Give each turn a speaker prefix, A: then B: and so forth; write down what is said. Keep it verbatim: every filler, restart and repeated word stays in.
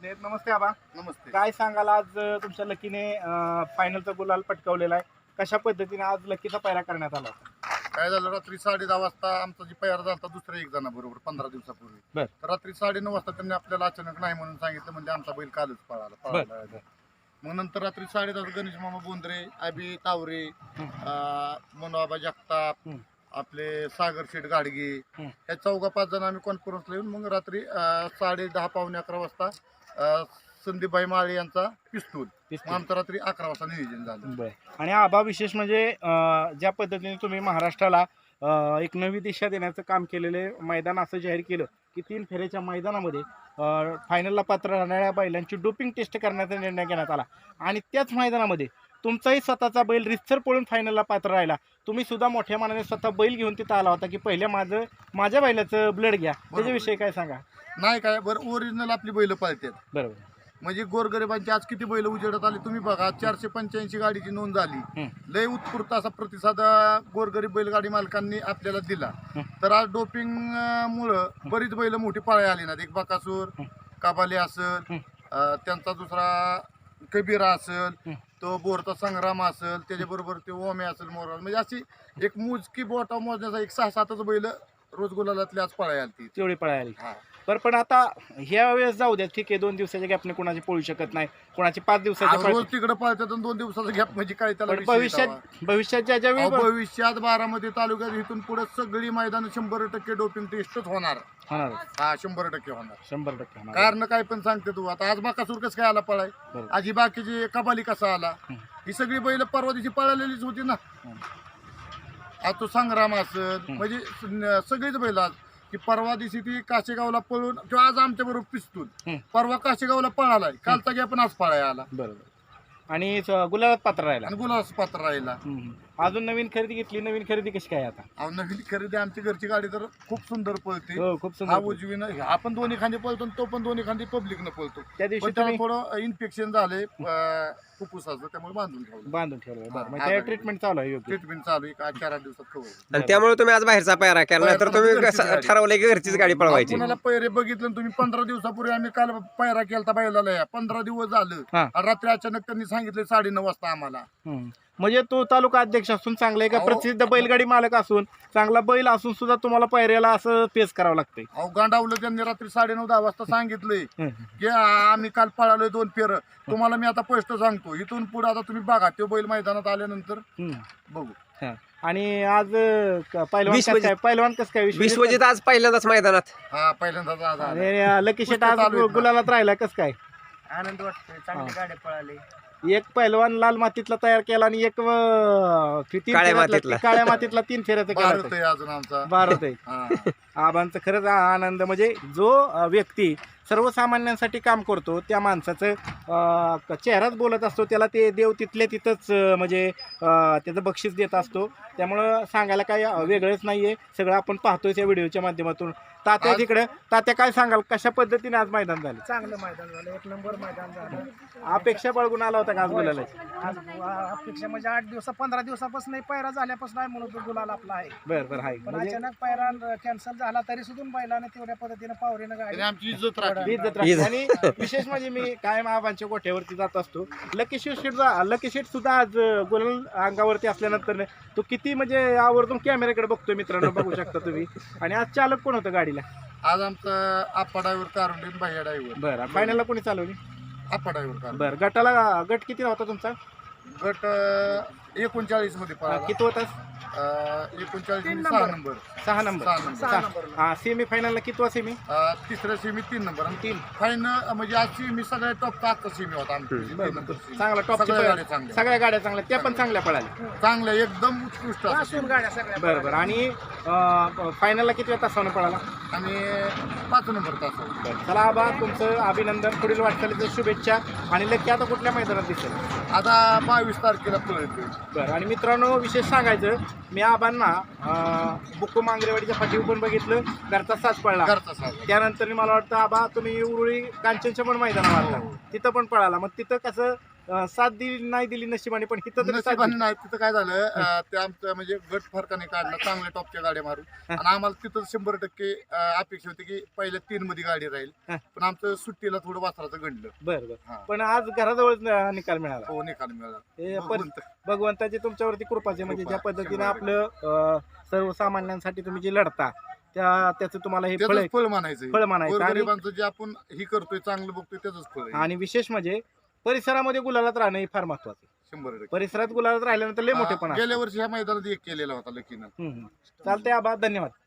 A: उपस्थित आहेत. नमस्ते आबा.
B: नमस्ते.
A: काय सांगाल आज अ, तुमच्या लकीने फायनलचा गुलाल पटकावलेला आहे. कशा पद्धतीने आज लकीचा पायरा करण्यात आला होता?
B: काय झालं, रात्री साडे दहा वाजता आमचा जी तयार झाला होता दुसऱ्या एक जणाबरोबर पंधरा दिवसापूर्वी.
A: बर.
B: तर रात्री साडे नऊ वाजता त्यांनी आपल्याला अचानक नाही म्हणून सांगितलं, म्हणजे आमचा बैल कालच पळाला पळाला. मग नंतर रात्री साडे दहा गणेश मामा बोंद्रे, अभि तावरे, मनोबा जगताप,
A: हम्म.
B: आपले सागर शेठ गाडगे,
A: हम्म.
B: या चौघा पाच जण आम्ही कॉन्फरन्सला येऊन मग रात्री अं, साडे दहा पावणे अकरा वाजता अं, संदीपभाई माळे यांचा पिस्तूल, मग आमचं रात्री अकरा वाजता नियोजन झालं.
A: बर. आणि आबा विशेष म्हणजे अ, ज्या पद्धतीने तुम्ही महाराष्ट्राला अ, एक नवी दिशा देण्याचं काम केलेले मैदान असं जाहीर केलं की तीन फेऱ्याच्या मैदानामध्ये अ, फायनलला पात्र राहणाऱ्या बैलांची डोपिंग टेस्ट करण्याचा निर्णय घेण्यात आला आणि त्याच मैदानामध्ये तुमचाही स्वतःचा बैल रितसर पळून फायनलला पात्र राहिला. तुम्ही सुद्धा मोठ्या मनाने स्वतः बैल घेऊन तिथं आला होता की पहिल्या माझं माझ्या बैलाचं ब्लड घ्या. त्याच्याविषयी काय सांगा?
B: नाही काय बरं, ओरिजिनल आपली बैल पाळतात.
A: बरोबर.
B: म्हणजे गोरगरिबांची आज किती बैल उजेडत आली तुम्ही बघा. चारशे पंच्याऐंशी गाडीची नोंद झाली.
A: हं.
B: लय उत्स्फूर्त असा प्रतिसाद गोरगरीब बैलगाडी मालकांनी आपल्याला दिला.
A: हं.
B: तर आज डोपिंग मुळे बरीच बैल मोठी पळायला आली ना. एक बकासूर,
A: हं.
B: काबाली असेल,
A: हं.
B: अं, त्यांचा दुसरा कबीरा असेल,
A: हं.
B: तो बोरचा संग्राम असेल, त्याच्याबरोबर ते ओमे असेल, मोरा, म्हणजे अशी एक मोजकी बोटा मोजण्याचा एक सहा सातच बैल रोज गुलालातली आज पळायला आली.
A: तेवढी पळायला.
B: हा.
A: बरं, पण आता ह्या वेळेस जाऊ द्या, ठीक आहे, दोन दिवसाच्या गॅपने कोणाची पळू शकत नाही, कोणाची पाच दिवसाच्या
B: आज रोज तिकडे पळतात आणि दोन दिवसाचा गॅप म्हणजे काय त्याला
A: पण
B: विषय दावा.
A: भविष्यात भविष्यात ज्या ज्या
B: अहो,
A: वेळी
B: भविष्यात बारामती तालुक्यात इथून पुढे सगळी मैदान शंभर टक्के डोपिंग टेस्टच होणार.
A: होणार,
B: हा, शंभर टक्के होणार.
A: शंभर टक्के होणार.
B: कारण काय पण सांगते तू, आता आज बाकासूर कसं काय आला पळाय,
A: बरोबर.
B: आज ही बाकीची कबाली कसा आला,
A: हं.
B: ही सगळी बैल परवा दिवशी पळालेलीच होती ना.
A: हं.
B: आज तो संग्राम असेल,
A: हं.
B: म्हणजे स- सगळीच बैल आज की परवा दिवशी ती काशेगावला पळून किंवा आज आमच्या बरोबर पिस्तूल
A: हं.
B: परवा काशेगावला पळालाय, कालचा गॅप पण आज पळाय आला
A: बरोबर. आणि स- गुलाबात पात्र राहिला.
B: आणि गुलास पात्र राहिला.
A: हम्म. अजून नवीन खरेदी घेतली. नवीन खरेदी कशी काय आता?
B: अहो, नवीन खरेदी आमची घरची गाडी तर खूप सुंदर पळते.
A: हो, खूप
B: हा
A: सुंदर.
B: उजवीनं आपण दोन्ही खांदी पळतो आणि तो पण दोन्ही खांदी पब्लिकनं पळतो.
A: त्या दिवशी
B: पण त्याला
A: तुम्ही
B: थोडं इन्फेक्शन झालंय अं, फुफ्फुसाचं, त्यामुळे बांधून ठेवलं.
A: बांधून ठेवलं.
B: हा,
A: बरं, मग
B: हा,
A: त्या
B: हा.
A: ट्रीटमेंट चालू आहे योग्य.
B: ट्रीटमेंट चालू आहे, एक चार आठ दिवसात कवर.
C: आणि त्यामुळे तुम्ही आज बाहेरचा पायरा केला, तर तुम्ही
B: घरचीच
C: कसं
B: गाडी.
C: ठरवलं की घरचीच गाडी पळवायची?
B: कुणाला पैरे बघितलं आणि तुम्ही पंधरा दिवसापूर्वी आम्ही काल पायरा केलता बैलाला, या पंधरा दिवस झालं
A: हा.
B: आणि रात्री अचानक त्यांनी सांगितले साडे नऊ वाजता आम्हाला.
A: हम्म. म्हणजे तो तालुका अध्यक्ष असून चांगला एका
B: अहो.
A: प्रसिद्ध बैलगाडी मालक असून चांगला बैल असून सुद्धा तुम्हाला पायऱ्याला असं पेस करावं लागतंय.
B: अहो, गांडावलं त्यांनी रात्री साडे नऊ दहा वाजता सांगितलंय
A: हम्म.
B: की आ- आम्ही काल पळालोय दोन फेर, तुम्हाला मी आता स्पष्ट सांगतो, इथून पुढे आता तुम्ही बघा, तो बैल मैदानात आल्यानंतर
A: हम्म.
B: बघू.
A: हा. आणि आज अं, क- पैलवान कसं
C: विश्वजित-
A: काय पहिलवान कसं काय
C: विश्वजित आज पहिल्यांदाच मैदानात.
B: हा, पहिल्यांदाच आज आला.
A: आणि अं, लकी शेट आज
B: चालू आहेत ना.
A: गुलालात राहिला कसं काय?
D: आनंद वाटतोय, चांगली
A: हा.
D: गाड्या पळाली.
A: एक पैलवान लाल मातीतला तयार केला आणि एक अं, तीन
C: काळ्या
A: फेऱ्यातला-
C: मातीतला.
A: काळ्या मातीतला तीन फेऱ्याचा
B: भारत
A: केला.
B: आहे अजून आमचा.
A: भारत आहे.
B: हा.
A: आबांचं खरंच आ- आनंद म्हणजे जो अ, व्यक्ती सर्वसामान्यांसाठी काम करतो त्या माणसाचं अ, क- चेहराच बोलत असतो, त्याला ते देव तिथल्या तिथंच अ, म्हणजे अ, त्याचं बक्षीस देत असतो. त्यामुळं सांगायला काही अ, वेगळंच नाही आहे, सगळं आपण पाहतोय त्या व्हिडिओच्या माध्यमातून. तात्या
B: आज-
A: तिकडं, तात्या काय सांगाल, कशा पद्धतीने आज मैदान झालं?
D: चांगलं मैदान झालं, एक नंबर मैदान झालं.
A: अपेक्षा बाळगून आला होता का आज बोलायला?
D: आज आ- अपेक्षा म्हणजे आठ दिवसा पंधरा दिवसापासून पायरा झाल्यापासून आहे म्हणून तो गुलाल आपला आहे.
A: बरं बरं आहे
D: पण
A: म्हणजे
D: अचानक पायरा कॅन्सल झाला तरी सुद्धा बैलाने तेवढ्या पद्धतीने पावरीनं गाडी
B: त्याने आमची इज्जत राखली.
A: इज्जत राखली. आणि विशेष म्हणजे मी कायम आबांच्या गोठ्यावरती जात असतो. लकी शेट लकी शेट सुद्धा आज गुलाल अंगावरती असल्यानंतर तो किती म्हणजे आवर्जून कॅमेऱ्याकडे बघतोय मित्रांनो, बघू शकता तुम्ही. आणि आज चालक कोण होतं गाडीला?
B: आज आमचा आप्पा ड्रायव्हर, कारुंडीन भाई ड्रायव्हर.
A: बरं, फायनलला कोणी चालवली?
B: आप्पा ड्रायव्हर कारुंडे.
A: बरं, गटाला गट किती होता तुमचा?
B: गट एकोणचाळीस मध्ये पळाला.
A: किती होता?
B: अं, एकोणचाळीस
D: तीन
B: मध्ये सहा
D: नंबर.
B: नंबर.
A: सहा नंबर.
B: सहा नंबर.
D: सहा
A: सहा.
D: नंबरला.
A: हा, सेमी फायनलला कितवा सेमी?
B: अं, तिसऱ्या सेमी तीन नंबर आणि
A: तीन.
B: फायनल म्हणजे आज सेमी सगळ्या टॉपचा आजचा सेमी होता आमची. तीन
A: बरं,
B: नंबर सेमी.
A: चांगला टॉपची
B: सगळ्या
A: पळ-
B: गाड्या चांगल्या.
A: सगळ्या गाड्या चांगल्या, त्या पण चांगल्या पळाल्या.
B: चांगल्या एकदम उत्कृष्ट असं
D: वासून
B: सेमी.
D: गाड्या सगळ्या
A: बरं बरं. आणि अं, फायनलला किती वेळ तासावनं पळाला?
B: आणि पाच नंबर तास.
A: चला आबा, तुमचं अभिनंदन, पुढील वाटचालीच्या शुभेच्छा. आणि लकी आता कुठल्या मैदानात दिसेल?
B: आता बावीस तारखेला पळतोय.
A: बरं. आणि मित्रांनो, विशेष सांगायचं, मी आबांना अं, बुक्कू मांगरेवाडीच्या फाटीवर पण बघितलं, घरचा साज पळला.
B: घरचा साज.
A: त्यानंतर मला वाटतं आबा तुम्ही उरुळी कांचनच्या पण मैदानावर आला, तिथं पण पळाला. मग तिथं कसं अं, साथ दिली नाही दिली नशिबाने, पण इथं तरी साथ
B: नशिबाने
A: दिली.
B: नाही तिथं काय झालं अं, ते आमचं म्हणजे गट फरकाने काढलं चांगल्या टॉपच्या गाड्या मारून आणि आम्हाला तिथं शंभर टक्के अं, अपेक्षा होती की पहिल्या तीन मध्ये गाडी राहील
A: हा.
B: पण आमचं सुट्टीला थोडं वासराचं घडलं.
A: बरं बरं.
B: हा.
A: पण आज घराजवळ निकाल मिळाला.
B: हो निकाल मिळाला.
A: हे पर-
B: भगवंत.
A: भगवंताची तुमच्यावरती कृपाचे, म्हणजे
B: कृपा,
A: ज्या पद्धतीने
B: शंभर
A: आपलं अं, सर्वसामान्यांसाठी तुम्ही जे लढता त्या त्याचं तुम्हाला हे फळ
B: त्याचंच फळ मानायचं
A: फळ म्हणायचं. आणि
B: गरिबांचं जे आपण ही करतोय चांगलं बघतोय त्याच फळ आहे.
A: आणि विशेष म्हणजे परिसरामध्ये गुलालात राहणं हे फार महत्वाचं आहे.
B: शंभर टक्के.
A: परिसरात गुलालात राहिल्यानंतर लय मोठेपणा
B: गेल्या वर्षी ह्या मैदानात एक केलेला होता लकीनं.
A: चालतंय आबा, धन्यवाद.